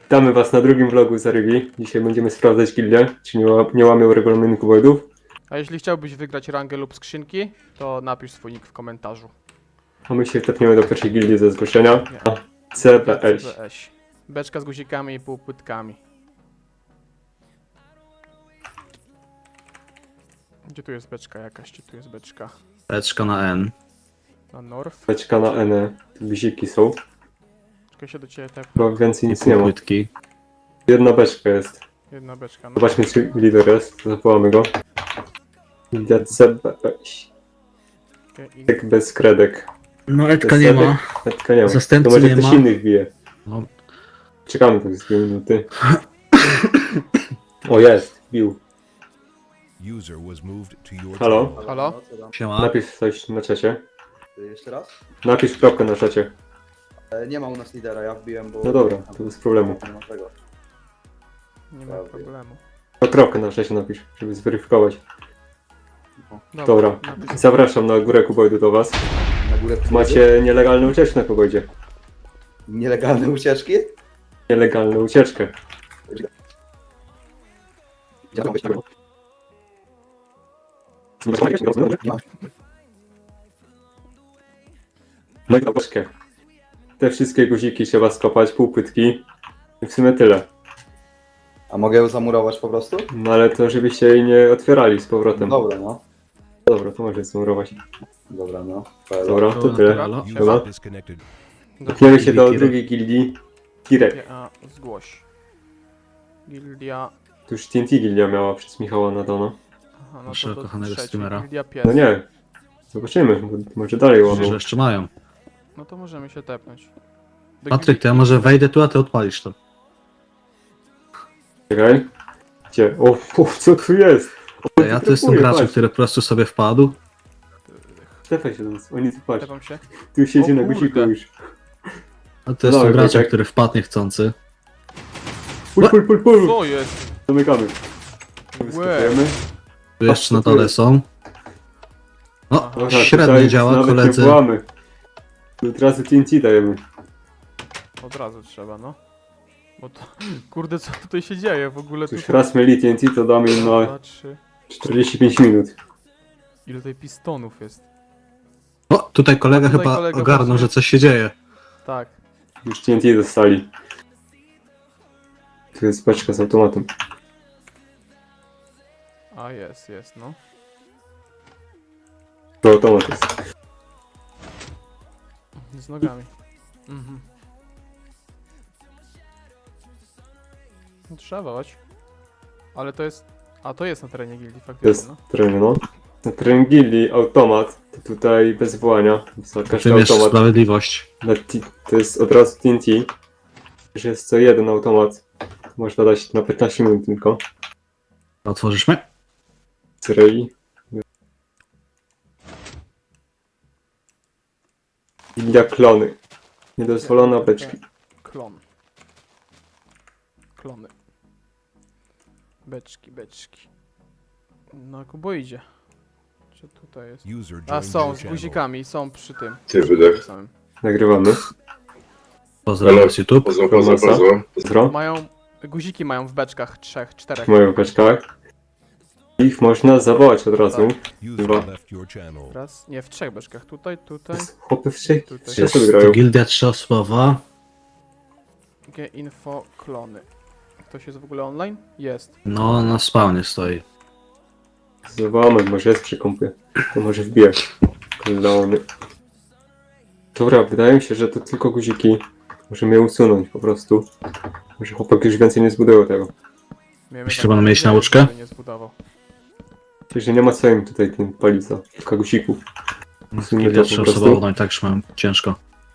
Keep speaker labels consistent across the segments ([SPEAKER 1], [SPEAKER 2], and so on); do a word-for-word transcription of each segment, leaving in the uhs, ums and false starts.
[SPEAKER 1] Witamy was na drugim vlogu z Arygi. Dzisiaj będziemy sprawdzać gildię, czy nie, ła- nie łamią regulaminu kuboidów.
[SPEAKER 2] A jeśli chciałbyś wygrać rangę lub skrzynki, to napisz swój nick w komentarzu.
[SPEAKER 1] A my się tepniemy do pierwszej gildii ze zgłoszenia.
[SPEAKER 2] Nie.
[SPEAKER 1] C B S.
[SPEAKER 2] C B S. Beczka z guzikami i półpłytkami. Gdzie tu jest beczka jakaś? Gdzie tu jest beczka?
[SPEAKER 3] Beczka na N.
[SPEAKER 2] Na North?
[SPEAKER 1] Beczka na N. Tu guziki są.
[SPEAKER 2] Czekaj się do ciebie tep.
[SPEAKER 1] Chyba więcej nic
[SPEAKER 3] I
[SPEAKER 1] nie ma.
[SPEAKER 3] płytki.
[SPEAKER 1] Jedna beczka jest.
[SPEAKER 2] Jedna beczka. No.
[SPEAKER 1] Zobaczmy, czy lider jest. Zawołamy go. Gildia C B S.
[SPEAKER 2] Okay, i...
[SPEAKER 1] Tak bez kredek.
[SPEAKER 3] No Edka
[SPEAKER 1] Bez
[SPEAKER 3] nie
[SPEAKER 1] kredek.
[SPEAKER 3] ma.
[SPEAKER 1] Etka nie ma. To
[SPEAKER 3] Zastępcy
[SPEAKER 1] może
[SPEAKER 3] nie
[SPEAKER 1] ktoś
[SPEAKER 3] ma.
[SPEAKER 1] innych bije.
[SPEAKER 3] No.
[SPEAKER 1] Czekamy tak z dwie minuty. O, jest. Bił.
[SPEAKER 4] User was moved to your
[SPEAKER 1] Halo?
[SPEAKER 4] channel.
[SPEAKER 2] Halo?
[SPEAKER 5] Co tam?
[SPEAKER 3] Siema.
[SPEAKER 1] Napisz coś na czacie.
[SPEAKER 5] Y, Jeszcze raz?
[SPEAKER 1] Napisz kropkę na czacie.
[SPEAKER 5] E, Nie ma u nas lidera, ja wbiłem, bo...
[SPEAKER 1] No dobra, to bez problemu.
[SPEAKER 5] Nie ma tego.
[SPEAKER 2] Nie ma problemu.
[SPEAKER 1] No kropkę na czacie napisz, żeby zweryfikować. Dobra.
[SPEAKER 2] Napisz...
[SPEAKER 1] Zapraszam na górę kuboidu do was.
[SPEAKER 5] Na górę
[SPEAKER 1] Macie nielegalną ucieczkę na kuboidzie.
[SPEAKER 5] nielegalne ucieczki?
[SPEAKER 1] Nielegalną ucieczkę.
[SPEAKER 5] Ja tam weź-
[SPEAKER 1] No i troszkę. Te wszystkie guziki trzeba skopać, półpytki. I w sumie tyle.
[SPEAKER 5] A mogę ją zamurować po prostu?
[SPEAKER 1] No ale to żebyście jej nie otwierali z powrotem.
[SPEAKER 5] Dobra, no.
[SPEAKER 1] Dobra, to może zmurować.
[SPEAKER 5] Dobra, no.
[SPEAKER 1] Dobra, to tyle.
[SPEAKER 3] Halo?
[SPEAKER 4] User
[SPEAKER 1] Chyba.
[SPEAKER 4] disconnected.
[SPEAKER 1] Tepniemy się do
[SPEAKER 3] Kirek.
[SPEAKER 1] drugiej gildii. Kirek.
[SPEAKER 2] A, zgłoś. Gildia...
[SPEAKER 1] Tu już T N T gildia miała przez Michała Nadana.
[SPEAKER 2] Aha, no
[SPEAKER 3] Naszego
[SPEAKER 2] to do
[SPEAKER 3] kochanego
[SPEAKER 2] trzeciej.
[SPEAKER 3] streamera.
[SPEAKER 2] Gildia pies.
[SPEAKER 1] No nie. Zobaczymy, bo może dalej
[SPEAKER 3] Może
[SPEAKER 1] łamią.
[SPEAKER 3] jeszcze mają.
[SPEAKER 2] No to możemy się tepnąć. Do
[SPEAKER 3] Patryk,
[SPEAKER 2] gildii-
[SPEAKER 3] to ja może wejdę tu, a ty odpalisz to.
[SPEAKER 1] Czekaj. Gdzie? O, o co tu jest? O,
[SPEAKER 3] Ja
[SPEAKER 1] tu
[SPEAKER 3] to jestem
[SPEAKER 1] trafuje,
[SPEAKER 3] graczem,
[SPEAKER 1] patrz.
[SPEAKER 3] który po prostu sobie wpadł.
[SPEAKER 1] Tepaj się do nas, oni tu patrz.
[SPEAKER 2] Tepam się.
[SPEAKER 1] Tu siedzi
[SPEAKER 2] O
[SPEAKER 1] na
[SPEAKER 2] kurde.
[SPEAKER 1] guziku już.
[SPEAKER 3] A to jestem
[SPEAKER 1] Dawaj,
[SPEAKER 3] graczem,
[SPEAKER 1] Wojtek.
[SPEAKER 3] który wpadł niechcący.
[SPEAKER 1] Pul, pul, pul, pul.
[SPEAKER 2] Co jest?
[SPEAKER 1] Zamykamy.
[SPEAKER 2] Łe.
[SPEAKER 1] Wyskakujemy.
[SPEAKER 3] Tu jeszcze na
[SPEAKER 1] co tu
[SPEAKER 3] dole
[SPEAKER 1] jest?
[SPEAKER 3] są. No,
[SPEAKER 2] Aha.
[SPEAKER 1] Dobra,
[SPEAKER 3] średnio
[SPEAKER 1] tutaj
[SPEAKER 3] działa,
[SPEAKER 1] nawet
[SPEAKER 3] koledzy.
[SPEAKER 1] nie wołamy. Tu od razu T N T dajemy.
[SPEAKER 2] Od razu trzeba, no. Bo to... Kurde, co tutaj się dzieje w ogóle?
[SPEAKER 1] Tu już
[SPEAKER 2] Tutaj...
[SPEAKER 1] raz mieli T N T, to damy im na
[SPEAKER 2] Dwa, trzy...
[SPEAKER 1] czterdzieści pięć minut.
[SPEAKER 2] Ile tutaj pistonów jest?
[SPEAKER 3] O, tutaj kolega
[SPEAKER 2] A tutaj
[SPEAKER 3] chyba
[SPEAKER 2] kolega
[SPEAKER 3] ogarnął,
[SPEAKER 2] właśnie-
[SPEAKER 3] że coś się dzieje.
[SPEAKER 2] Tak.
[SPEAKER 1] Już T N T dostali. Tu jest paczka z automatem.
[SPEAKER 2] A jest, jest, no.
[SPEAKER 1] To automat jest.
[SPEAKER 2] Z nogami. Mhm. No, trzeba wołać. Ale to jest... A to jest na terenie gildii
[SPEAKER 1] To
[SPEAKER 2] faktycznie,
[SPEAKER 1] jest
[SPEAKER 2] no.
[SPEAKER 1] teren, no. Na teren gildii automat, to tutaj bez wołania. Za każdy
[SPEAKER 3] Wymierz
[SPEAKER 1] automat.
[SPEAKER 3] sprawiedliwość.
[SPEAKER 1] Na t- to jest od razu T N T. Że jest co jeden automat. Można dać na piętnaście minut tylko.
[SPEAKER 3] Otworzysz mnie?
[SPEAKER 1] Cyrei. Gildia klony. Niedozwolone beczki.
[SPEAKER 2] Klon. Klony. Beczki, beczki. No, Kubo idzie. Czy tutaj jest?
[SPEAKER 4] User
[SPEAKER 2] A
[SPEAKER 4] joined
[SPEAKER 2] są,
[SPEAKER 4] your
[SPEAKER 2] z
[SPEAKER 4] channel.
[SPEAKER 2] guzikami, są przy tym.
[SPEAKER 6] Ty wydech.
[SPEAKER 2] Samym.
[SPEAKER 1] Nagrywamy.
[SPEAKER 3] Pozdrawiam z YouTube.
[SPEAKER 6] Pozdro, pozdro, pozdro.
[SPEAKER 1] Zdro.
[SPEAKER 2] Mają... Guziki mają w beczkach trzech, czterech.
[SPEAKER 1] Moją beczkach. Ich można zawołać od razu.
[SPEAKER 4] User
[SPEAKER 1] Dwa.
[SPEAKER 4] left your channel.
[SPEAKER 2] Raz, nie, w trzech beczkach. Tutaj, tutaj.
[SPEAKER 1] Chłopy w trzech.
[SPEAKER 2] Tutaj.
[SPEAKER 1] Trzy
[SPEAKER 3] Jest
[SPEAKER 1] osoby
[SPEAKER 3] to
[SPEAKER 1] grają.
[SPEAKER 3] gildia trzyosobowa.
[SPEAKER 2] G info klony. Ktoś jest w ogóle online? Jest.
[SPEAKER 3] No, na spawnie stoi.
[SPEAKER 1] Zawołamy, może jest przy kompie. To może wbije. Klony. Dobra, wydaje mi się, że to tylko guziki. Możemy je usunąć po prostu. Może chłopak już więcej nie zbudował tego.
[SPEAKER 2] Miejmy
[SPEAKER 3] Myślisz,
[SPEAKER 2] taką
[SPEAKER 3] że będą mieć
[SPEAKER 2] nadzieję,
[SPEAKER 3] nauczkę?
[SPEAKER 2] żeby nie zbudował.
[SPEAKER 1] Czyli, że nie ma co im tutaj tym palić za kilka guzików. Usuńmy
[SPEAKER 3] Gildia
[SPEAKER 1] to po prostu.
[SPEAKER 3] trzyosobowa, no i tak już mam ciężko.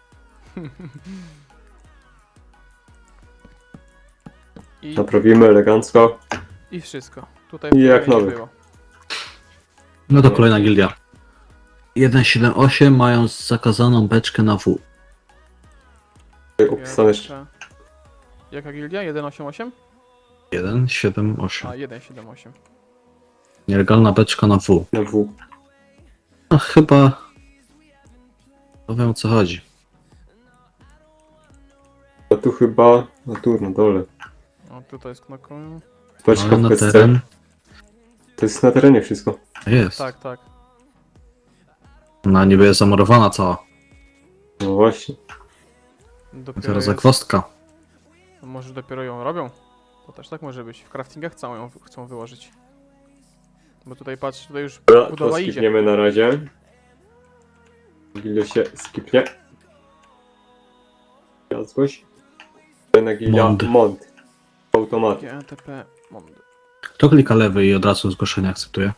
[SPEAKER 2] I,
[SPEAKER 1] Naprawimy elegancko.
[SPEAKER 2] I wszystko. Tutaj
[SPEAKER 1] I jak
[SPEAKER 2] nie
[SPEAKER 1] nowy.
[SPEAKER 2] było.
[SPEAKER 3] No to kolejna gildia. jeden siedem osiem mają zakazaną beczkę na W.
[SPEAKER 1] Tutaj opisane jeszcze.
[SPEAKER 2] Jeszcze... Jaka gildia? jeden osiem osiem?
[SPEAKER 3] jeden siedem osiem.
[SPEAKER 2] A, jeden siedem osiem.
[SPEAKER 3] Nielegalna beczka na W.
[SPEAKER 1] Na W.
[SPEAKER 3] No chyba... No wiem o co chodzi.
[SPEAKER 1] A tu chyba... A tu na dole.
[SPEAKER 2] O, tutaj jest knokują.
[SPEAKER 1] Beczka
[SPEAKER 3] No,
[SPEAKER 1] w
[SPEAKER 3] na
[SPEAKER 1] pesce.
[SPEAKER 3] teren.
[SPEAKER 1] To jest na terenie wszystko.
[SPEAKER 3] Jest.
[SPEAKER 2] Tak, tak.
[SPEAKER 3] Ona niby jest zamurowana cała.
[SPEAKER 1] No właśnie.
[SPEAKER 2] Dopiero
[SPEAKER 3] Teraz
[SPEAKER 2] jest...
[SPEAKER 3] zagwozdka.
[SPEAKER 2] Może dopiero ją robią? To też tak może być. W craftingach chcą ją chcą wyłożyć. Bo tutaj patrz, tutaj już
[SPEAKER 1] Dobra, to
[SPEAKER 2] budowa idzie.
[SPEAKER 1] skipniemy na razie. Gilio się skipnie. Jazgoś. Na Gilia
[SPEAKER 3] Mond.
[SPEAKER 1] Mont. Automat.
[SPEAKER 2] G T P Mond.
[SPEAKER 3] Kto klika lewy i od razu zgłoszenie akceptuje?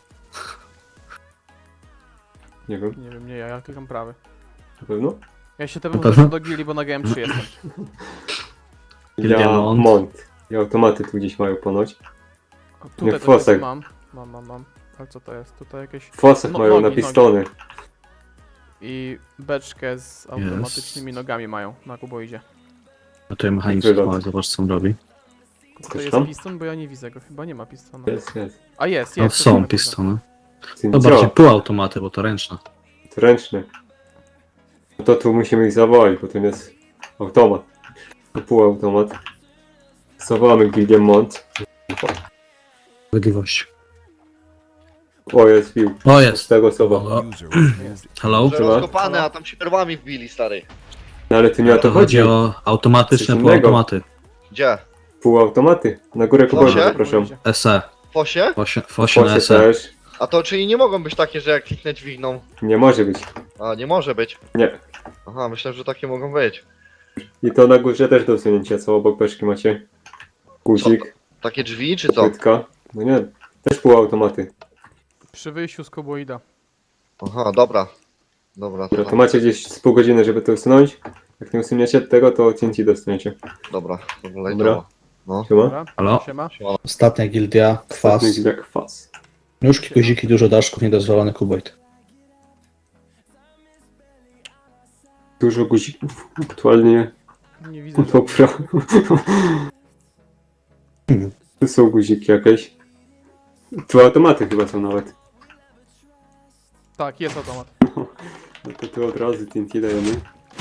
[SPEAKER 1] Nie wiem,
[SPEAKER 2] Nie wiem, nie ja, ja klikam prawy.
[SPEAKER 1] na pewno?
[SPEAKER 2] Ja się
[SPEAKER 3] Na
[SPEAKER 2] tepam
[SPEAKER 3] pewno?
[SPEAKER 2] do gili, bo na G M trzy jestem.
[SPEAKER 1] Gilia
[SPEAKER 3] Gilia Mont.
[SPEAKER 1] Mont. I automaty tu gdzieś mają ponoć.
[SPEAKER 2] O,
[SPEAKER 1] Nie,
[SPEAKER 2] tutaj
[SPEAKER 1] w
[SPEAKER 2] to
[SPEAKER 1] fosach.
[SPEAKER 2] jest, mam. Mam, mam, mam. Ale co to jest? Tutaj jakieś...
[SPEAKER 1] W fosach
[SPEAKER 2] No,
[SPEAKER 1] mają
[SPEAKER 2] nogi,
[SPEAKER 1] na
[SPEAKER 2] nogi.
[SPEAKER 1] pistony.
[SPEAKER 2] I beczkę z automatycznymi nogami mają na kuboidzie.
[SPEAKER 3] No to mechanizm
[SPEAKER 1] Wylot.
[SPEAKER 3] chwała, zobacz co on robi.
[SPEAKER 2] To
[SPEAKER 1] Coś
[SPEAKER 2] jest
[SPEAKER 1] tam?
[SPEAKER 2] piston, bo ja nie widzę go. Chyba nie ma pistona.
[SPEAKER 1] Jest, jest.
[SPEAKER 2] A jest,
[SPEAKER 3] No
[SPEAKER 2] jest.
[SPEAKER 3] są
[SPEAKER 2] tutaj,
[SPEAKER 3] pistony.
[SPEAKER 1] Ty
[SPEAKER 3] To
[SPEAKER 1] co?
[SPEAKER 3] bardziej półautomaty, bo to ręczne.
[SPEAKER 1] To ręczny. No to tu musimy ich zawołać, bo to nie jest automat. To półautomat. Zawołamy Gilię Mont.
[SPEAKER 3] Sprawiedliwość.
[SPEAKER 1] O, jest pił.
[SPEAKER 3] O
[SPEAKER 1] Z
[SPEAKER 3] jest!
[SPEAKER 1] tego słowa.
[SPEAKER 3] O,
[SPEAKER 4] User was moved.
[SPEAKER 3] hello?
[SPEAKER 6] Że
[SPEAKER 1] Trzeba?
[SPEAKER 6] rozkopane, a tam się perłami wbili, stary.
[SPEAKER 1] No ale tu nie o
[SPEAKER 3] To
[SPEAKER 1] to
[SPEAKER 3] chodzi
[SPEAKER 1] chodzi.
[SPEAKER 3] o automatyczne
[SPEAKER 1] Coś innego.
[SPEAKER 3] półautomaty.
[SPEAKER 6] Gdzie?
[SPEAKER 1] Półautomaty. Na górę kuboidu
[SPEAKER 6] Fosie?
[SPEAKER 1] zapraszam.
[SPEAKER 3] S E.
[SPEAKER 6] W fosie?
[SPEAKER 3] Fosie, fosie na
[SPEAKER 1] Fosie
[SPEAKER 3] S E.
[SPEAKER 1] też.
[SPEAKER 6] A to czyli nie mogą być takie, że jak kliknę dźwigną.
[SPEAKER 1] Nie może być.
[SPEAKER 6] A, nie może być.
[SPEAKER 1] Nie.
[SPEAKER 6] Aha, myślę, że takie mogą być.
[SPEAKER 1] I to na górze też do usunięcia, co obok beczki macie. Guzik,
[SPEAKER 6] Takie drzwi, czy co?
[SPEAKER 1] płytka. No nie, też półautomaty.
[SPEAKER 2] Przy wyjściu z kuboida.
[SPEAKER 6] Aha, dobra. Dobra, to,
[SPEAKER 1] Dobra, to macie gdzieś z pół godziny, żeby to usunąć. Jak nie usuniecie tego, to T N T dostaniecie.
[SPEAKER 6] dobra. Dobra,
[SPEAKER 1] Dobra.
[SPEAKER 6] dobra. No.
[SPEAKER 1] Siema?
[SPEAKER 2] Dobra,
[SPEAKER 3] Halo?
[SPEAKER 2] siema.
[SPEAKER 3] Ostatnia gildia, kwas.
[SPEAKER 1] Ostatni jak kwas.
[SPEAKER 3] Nóżki, guziki, dużo daszków, niedozwolony kuboid.
[SPEAKER 1] Dużo guzików. Aktualnie
[SPEAKER 2] Nie widzę. żadnych.
[SPEAKER 1] popra. Tu są guziki jakieś. Tu automaty chyba są nawet.
[SPEAKER 2] Tak, jest automat.
[SPEAKER 1] No to tu od razu T N T dajemy.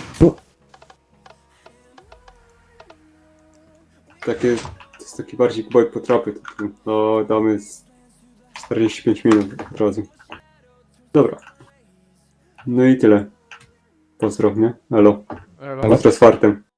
[SPEAKER 1] Takie, to jest taki bardziej kuboid po trapy. To tu, no damy z czterdzieści pięć minut od razu. Dobra. No i tyle. Pozdrow, nie? Elo.
[SPEAKER 2] Elo.
[SPEAKER 1] Pozdro z fartem.